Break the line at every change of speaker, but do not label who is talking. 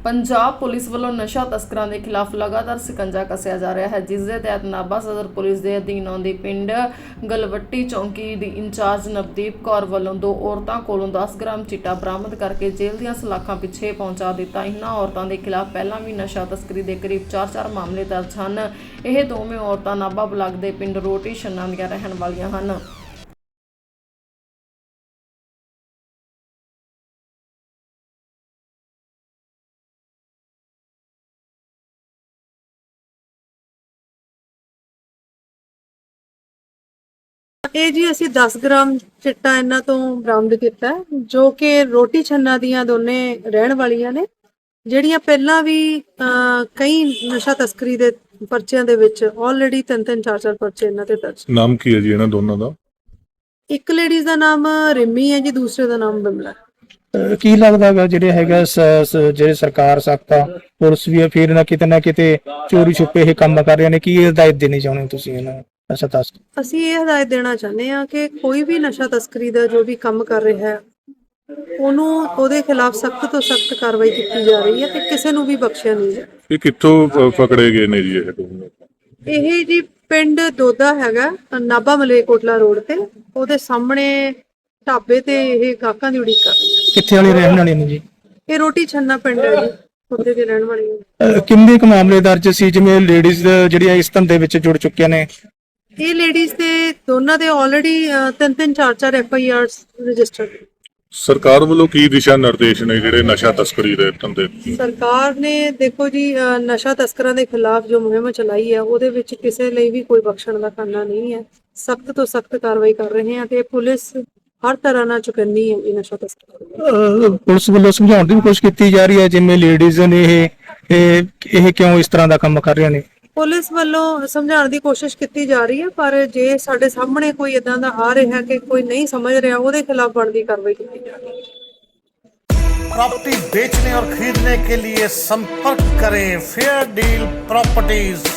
Punjab police ਵੱਲੋਂ ਨਸ਼ਾ ਤਸਕਰਾਂ ਦੇ ਖਿਲਾਫ ਲਗਾਤਾਰ ਸਿਕੰਜਾ ਕੱਸਿਆ ਜਾ ਰਿਹਾ ਹੈ, ਜਿਸ ਦੇ ਤਹਿਤ ਨਾਭਾ ਸਦਰ ਪੁਲਿਸ ਦੇ ਅਧੀਨ ਆਉਂਦੀ ਪਿੰਡ ਗਲਵੱਟੀ ਚੌਂਕੀ ਦੀ ਇੰਚਾਰਜ ਨਵਦੀਪ ਕੌਰ ਵੱਲੋਂ 2 ਔਰਤਾਂ ਕੋਲੋਂ 10 ਗ੍ਰਾਮ ਚਿੱਟਾ ਬਰਾਮਦ ਕਰਕੇ ਜੇਲ੍ਹ ਦੀਆਂ ਸਲਾਖਾਂ ਪਿੱਛੇ ਪਹੁੰਚਾ ਦਿੱਤਾ। ਇਹਨਾਂ ਔਰਤਾਂ ਦੇ ਖਿਲਾਫ ਪਹਿਲਾਂ ਵੀ ਨਸ਼ਾ ਤਸਕਰੀ ਦੇ ਕਰੀਬ 4 ਮਾਮਲੇ ਦਰਜ ਹਨ। ਇਹ ਦੋਵੇਂ ਔਰਤਾਂ ਨਾਭਾ ਬਲਾਕ ਦੇ ਪਿੰਡ ਰੋਟੀ ਛੰਨਾ ਦੀਆਂ ਰਹਿਣ ਵਾਲੀਆਂ ਹਨ।
ਇਹ ਜੀ ਅਸੀਂ 10 ਗ੍ਰਾਮ ਚਿੱਟਾ ਇਹਨਾਂ ਤੋਂ ਬਰਾਮਦ ਕੀਤਾ ਜੋ ਕਿ ਰੋਟੀ ਛੰਨਾ ਦੀਆਂ ਦੋਨੇ ਰਹਿਣ ਵਾਲੀਆਂ ਨੇ, ਜਿਹੜੀਆਂ ਪਹਿਲਾਂ ਵੀ ਕਈ ਨਸ਼ਾ ਤਸਕਰੀ ਦੇ ਪਰਚਿਆਂ ਦੇ ਵਿੱਚ ਆਲਰੇਡੀ 3-3 4-4 ਪਰਚੇ ਇਹਨਾਂ ਤੇ ਦਰਜ।
ਨਾਮ ਕੀ ਹੈ ਜੀ ਇਹਨਾਂ ਦੋਨਾਂ ਦਾ?
ਇੱਕ ਲੇਡੀਜ਼ ਦਾ ਨਾਮ ਰਿਮੀ ਹੈ ਜੀ, ਦੂਸਰੇ ਦਾ ਨਾਮ ਬਿਮਲਾ।
ਕੀ ਲੱਗਦਾ ਹੈਗਾ ਜਿਹੜੇ ਹੈਗਾ ਜਿਹੜੇ ਸਰਕਾਰ ਸਖਤਾ ਪੁਲਿਸ ਵੀ ਹੈ, ਫਿਰ ਨਾ ਕਿਤੇ ਚੋਰੀ ਛੁਪੇ ਇਹ ਕੰਮ ਕਰ ਰਹੇ ਨੇ, ਕੀ ਹਦਾਇਤ ਦੇਣੀ ਚਾਹੁੰਦੇ ਹੋ ਤੁਸੀਂ ਇਹਨਾਂ ਨੂੰ? ਨਸ਼ਾ ਤਸਕਰ
ਅਸੀਂ ਇਹ ਹਦਾਇਤ ਦੇਣਾ ਚਾਹੁੰਦੇ ਹਾਂ ਕਿ ਕੋਈ ਵੀ ਨਸ਼ਾ ਤਸਕਰੀ ਦਾ ਜੋ ਵੀ ਕੰਮ ਕਰ ਰਿਹਾ ਹੈ ਉਹਦੇ ਖਿਲਾਫ ਸਖਤ ਤੋਂ ਸਖਤ ਕਾਰਵਾਈ ਕੀਤੀ ਜਾ ਰਹੀ ਹੈ ਤੇ ਕਿਸੇ ਨੂੰ ਵੀ ਬਖਸ਼ਿਆ ਨਹੀਂ ਹੈ।
ਇਹ ਕਿੱਥੋਂ ਪਕੜੇ ਗਏ ਨੇ ਜੀ ਇਹ ਦੋਨੋਂ?
ਇਹ ਜੀ ਪਿੰਡ ਦੋਦਾ ਹੈਗਾ, ਨਾਭਾ ਮਲੇਕੋਟਲਾ ਰੋਡ ਤੇ, ਉਹਦੇ ਸਾਹਮਣੇ ਢਾਬੇ ਤੇ ਇਹ ਗਾਹਕਾਂ ਦੀ ਉਡੀਕ ਕਰ ਰਹੀ ਹੈ।
ਕਿੱਥੇ ਵਾਲੇ ਰਹਿਣ ਵਾਲੇ ਨੇ ਜੀ?
ਇਹ ਰੋਟੀ ਛੰਨਾ ਪਿੰਡ ਹੈ ਜੀ, ਉੱਥੇ ਦੇ ਰਹਿਣ ਵਾਲੀ ਹੈ।
ਕਿੰਨੇ ਕੁ ਮਾਮਲੇ ਦਰਜ ਸੀ ਜਿਵੇਂ ਲੇਡੀਜ਼ ਜਿਹੜੀਆਂ ਇਸ ਧੰਦੇ ਵਿੱਚ ਜੁੜ ਚੁੱਕੀਆਂ ਨੇ?
ਇਹ ਲੇਡੀਜ਼ ਦੇ ਦੋਨਾਂ ਦੇ ਆਲਰੇਡੀ 3-3 4-4 FIRs ਰਜਿਸਟਰਡ।
ਸਰਕਾਰ ਵੱਲੋਂ ਕੀ ਦਿਸ਼ਾ ਨਿਰਦੇਸ਼ ਨੇ ਜਿਹੜੇ ਨਸ਼ਾ ਤਸਕਰੀ ਦੇ ਧੰਦੇ?
ਸਰਕਾਰ ਨੇ ਦੇਖੋ ਜੀ ਨਸ਼ਾ ਤਸਕਰਾਂ ਦੇ ਖਿਲਾਫ ਜੋ ਮੁਹਿੰਮ ਚਲਾਈ ਹੈ ਉਹਦੇ ਵਿੱਚ ਕਿਸੇ ਲਈ ਵੀ ਕੋਈ ਬਖਸ਼ਣ ਦਾ ਖਾਨਾ ਨਹੀਂ ਹੈ। ਸਖਤ ਤੋਂ ਸਖਤ ਕਾਰਵਾਈ ਕਰ ਰਹੇ ਹਾਂ ਤੇ ਪੁਲਿਸ ਹਰ ਤਰ੍ਹਾਂ ਨਾਲ ਚੁਕੰਨੀ ਹੈ ਇਹ ਨਸ਼ਾ ਤਸਕਰਾਂ।
ਪੁਲਿਸ ਵੱਲੋਂ ਸਮਝਾਉਣ ਦੀ ਵੀ ਕੋਸ਼ਿਸ਼ ਕੀਤੀ ਜਾ ਰਹੀ ਹੈ ਜਿਵੇਂ ਲੇਡੀਜ਼ ਨੇ ਇਹ ਕਿਉਂ ਇਸ ਤਰ੍ਹਾਂ ਦਾ ਕੰਮ ਕਰ ਰਹੀਆਂ ਨੇ?
ਪੁਲਿਸ ਵੱਲੋਂ ਸਮਝਾਉਣ ਦੀ ਕੋਸ਼ਿਸ਼ ਕੀਤੀ ਜਾ ਰਹੀ ਹੈ, ਪਰ ਜੇ ਸਾਡੇ ਸਾਹਮਣੇ ਕੋਈ ਇਦਾਂ ਦਾ ਆ ਰਿਹਾ ਕਿ ਕੋਈ नहीं समझ रहा ਉਹਦੇ खिलाफ बनती कार्रवाई की जाएगी।
प्रॉपर्टी बेचने और खरीदने के लिए संपर्क करें फेयर डील प्रॉपर्टीज।